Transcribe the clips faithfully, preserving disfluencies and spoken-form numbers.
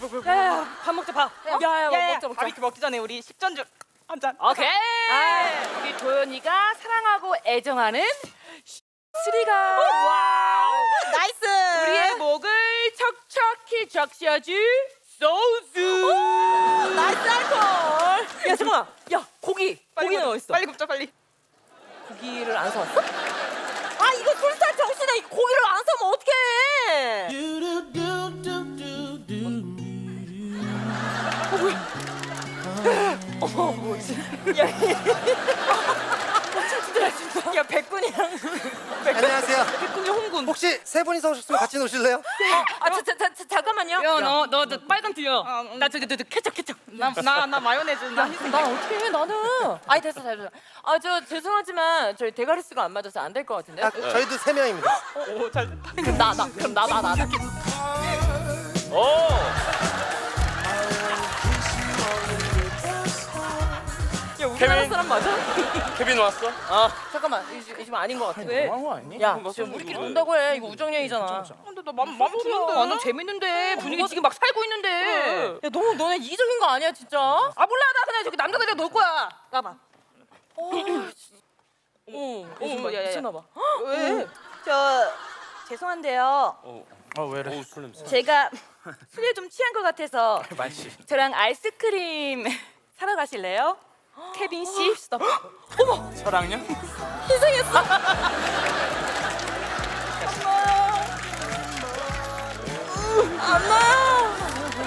야야 밥 먹자 밥. 야야 먹자 먹자. 바비큐 먹기 전에 우리 식전주 한 잔. 오케이. 아, 우리 도연이가 사랑하고 애정하는 쓰리가. 와우. 나이스. 우리의 목을 척척히 적셔줄 소스. 나이스 알콜. 야 잠깐만. 야 고기. 고기는 굽자, 어디 있어? 빨리 굽자 빨리. 고기를 안 사왔어? 아 이거 술살 정신에 고기를 안 사면 어떡해. 어머 뭐지? 야 백군이랑 안녕하세요. 백군이 홍군. 혹시 세 분이서 오셨으면 같이 노실래요? 아 자, 자, 자, 잠깐만요. 야너너 너, 너 빨간 뒤야. 아, 음. 나 저기 너, 너 케첩 케첩. 나나 나 마요네즈 나 희생. 나 어떻게 해 나는. 아니 됐어 됐어. 아 저 죄송하지만 저희 대가리 수가 안 맞아서 안 될 것 같은데. 아, 저희도 세 명입니다. 오잘 됐다. 그럼 나 나 그럼 나 나 나. 나. 야 우리나라 케빈. 사람 맞아? 케빈 왔어? 잠깐만 이, 집- 이 지금 아닌 것 같아. 왜? 너무한 거 아니니? 야 지금 우리끼리 논다고 해. 이거 우정여행이잖아. 근데 나맘 맘 드는데. 완전 재밌는데 분위기 지금 막 살고 있는데. 야 너무 너네 이기적인 거 아니야 진짜? 아 몰라 나 그냥 저기 남자들이랑 놀 거야. 나봐. 어, 어, 어머, 야, 야, 야. 미쳤나 봐. 왜? 저 죄송한데요. 아 왜래? 술 냄새. 제가 술에 좀 취한 것 같아서 많지. 저랑 아이스크림 사러 가실래요? 케빈 씨. 저랑요? 희생했어. 안나.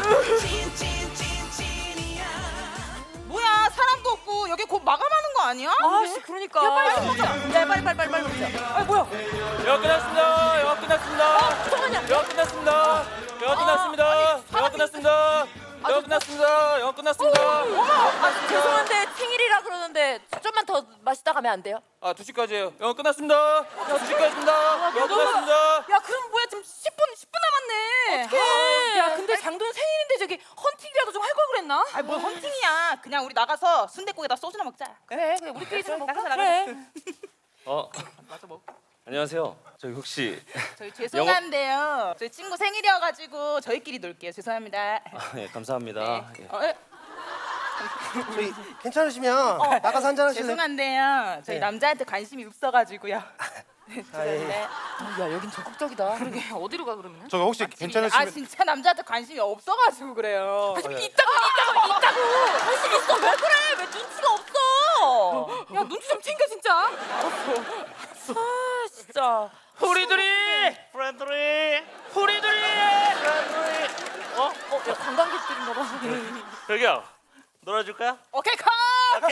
뭐야 사람도 없고 여기 곧 마감하는 거 아니야? 아씨 그러니까. 야 빨리 먹자. 야 빨리 빨리 빨리 빨리 먹자. 아 뭐야? 영화 끝났습니다. 영화 끝났습니다. 잠깐만요. 영화 끝났습니다. 영화 끝났습니다. 영화 끝났습니다. 영화 끝났습니다. 영화 끝났습니다. 아 죄송한데 생일이라 그러는데 좀만 더 마시다 가면 안 돼요? 아 두 시까지예요. 영화 끝났습니다. 두 시까지입니다. 영화 끝났습니다. 야 그럼 뭐야 지금 십 분 십 분 남았네. 어떡해. 야 근데 장도연 생일인데 저기 헌팅이라도 좀 할 걸 그랬나? 아니 뭘 헌팅이야. 그냥 우리 나가서 순댓국에다 소주나 먹자. 그래 그래 우리끼리 좀 먹자. 나가자, 그래. 어, 맞아 먹. 안녕하세요. 저기 혹시 저희 죄송한데요. 저희 친구 생일이어가지고 저희끼리 놀게요. 죄송합니다. 아, 예, 감사합니다. 예. 어, 에? 저희 괜찮으시면 나가서 한잔 하실래요? 죄송한데요. 저희 네. 남자한테 관심이 없어가지고요. 아, 예. 죄송합니다. 야 여긴 적극적이다. 그러게 어디로 가 그러면? 저기 혹시 아 괜찮으시면 진짜 남자한테 관심이 없어가지고 그래요. 있다고 있다고 있다고. 관심 있어 왜 그래? 왜 눈치가 없어? 야 눈치 좀 챙겨 진짜. 알았어. 아 진짜. 우리들이 프렌드리. 우리들이 어? 어, 야 관광객들인가 봐. 저기요. 놀아줄까요? 오케이 컷. 오케이.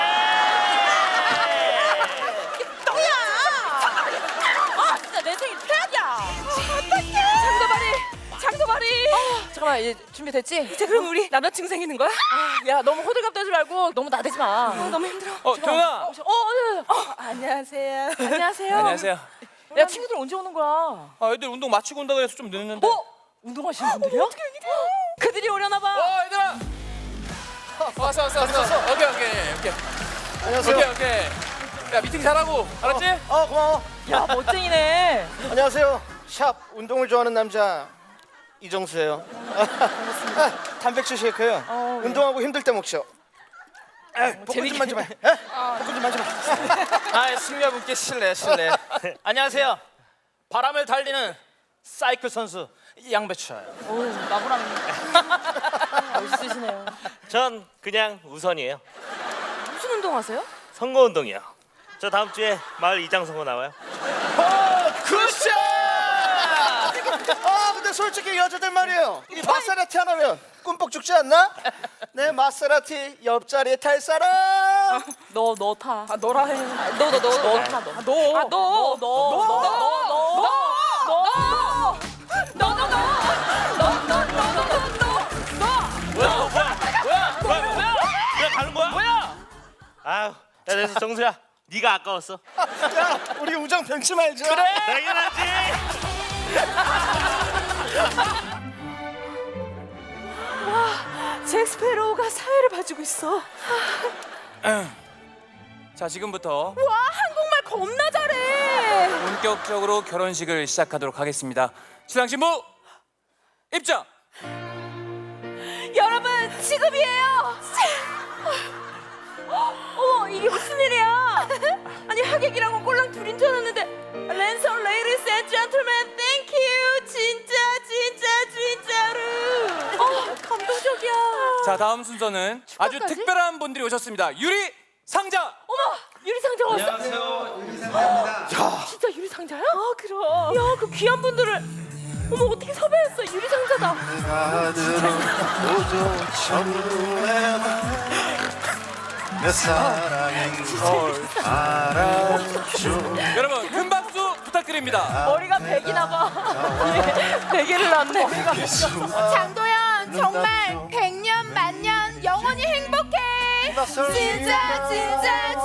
아 진짜 내 생일 최악이야. 어떡해. 장도발이 장도발이. 아, 잠깐만 이제 준비됐지? 이제 그럼 우리 남자친구 생기는 거야? 아, 야 너무 호들갑 떨지 말고 너무 나대지 마. 아, 너무 힘들어. 어 동아. 어, 어, 어, 어. 안녕하세요. 안녕하세요. 안녕하세요. 야 친구들 언제 오는 거야? 아 애들 운동 마치고 온다 그래서 좀 늦는데. 어? 운동하시는 분들이야? 어떻게 여기? 그들이 오려나 봐. 어 얘들아. 왔어 왔어 왔어. 오케이 오케이 오케이. 안녕하세요. 오케이 오케이. 야 미팅 잘하고 알았지? 어 고마워. 야 멋쟁이네. 안녕하세요. 샵 운동을 좋아하는 남자 이정수예요. 아, 단백질 쉐이크요. 어, 예. 운동하고 힘들 때 먹죠. 아, 복근 좀 만져봐. 에? 복근 좀 만져봐. 아 승려분께 실례 실례. 안녕하세요. 바람을 달리는 사이클 선수 양배추예요. 오 나보랑 멋있으시네요. 전 그냥 우선이에요. 무슨 운동하세요? 선거 운동이요. 저 다음 주에 마을 이장 선거 나와요. 굿샷! 아 근데 솔직히 여자들 말이에요. 이 마세라티 하나면 꿈뻑 죽지 않나? 내 마세라티 옆자리에 탈 사람. 너 너 타. 아 너라 해. 너 너 너 너 타. 너. 아, 너. 아, 너, 너, 너, 너, 너, 너, 너, 너, 너, 뭐야 뭐야 뭐야 뭐야 뭐야? 그냥 가는 거야? 뭐야? 아유, 야 그래서 정수야, 네가 아까웠어. 야 우리 우정 변치 말자. 그래. 당연하지. 잭 스페로우가 사회를 봐주고 있어. 자 지금부터 와 한국말 겁나 잘해. 본격적으로 결혼식을 시작하도록 하겠습니다. 신랑 신부 입장. 지금이에요. 어머, 이게 무슨 일이야? 아니, 하객이랑은 꼴랑 둘인 줄 알았는데. 랜선 레이디스 앤 젠틀맨, 땡큐. 진짜 진짜 진짜로. 어, 감동적이야. 자, 다음 순서는 아주 축하까지? 특별한 분들이 오셨습니다. 유리 상자. 어머, 유리상자가 왔어. 안녕하세요, 유리상자입니다. 진짜 유리상자야? 아, 그럼. 야, 그 귀한 분들을. 어머, 어떻게 섭외했어? 유리상자다. 오조 천루에 내 사랑인 걸 알아줘. 여러분, 큰 박수 부탁드립니다. 머리가 백이나 봐. 베개를 놨네. 장도연, 정말 백년 만년 영원히 행복해. 진짜 진짜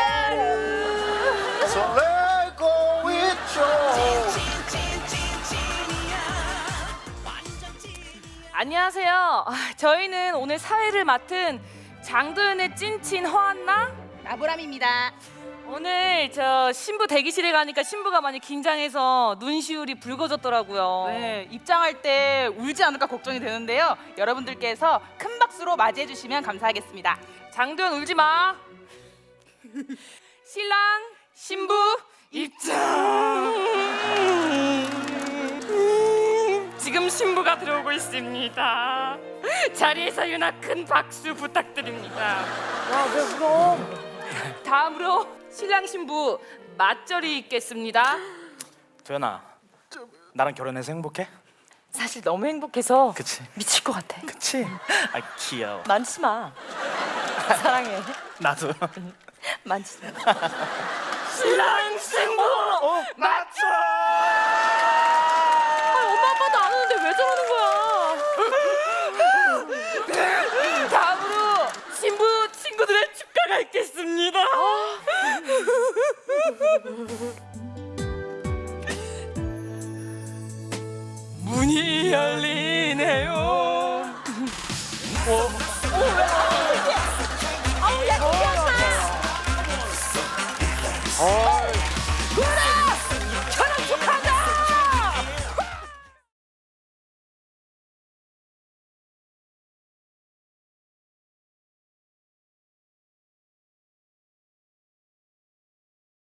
진짜로. 설레고 있죠. 안녕하세요. 아, 저희는 오늘 사회를 맡은 장도연의 찐친 허한나. 나보람입니다. 오늘 저 신부 대기실에 가니까 신부가 많이 긴장해서 눈시울이 붉어졌더라고요. 네, 입장할 때 울지 않을까 걱정이 되는데요. 여러분들께서 큰 박수로 맞이해 주시면 감사하겠습니다. 장도연 울지 마. 신랑 신부 입장. 지금 신부가 들어오고 있습니다. 자리에서 유나 큰 박수 부탁드립니다. 와, 왜 울어? 다음으로 신랑 신부 맞절이 있겠습니다. 도연아, 나랑 결혼해서 행복해? 사실 너무 행복해서 그치? 미칠 것 같아. 그치? 아, 귀여워. 만지지 마. 사랑해. 나도. 만지지 마. 신랑 신부 맞춰! 아, 엄마 아빠도 안 오는데 왜 저러는 거야? 다음으로 신부 친구들의 축가가 있겠습니다. 문이 열리네요. 어?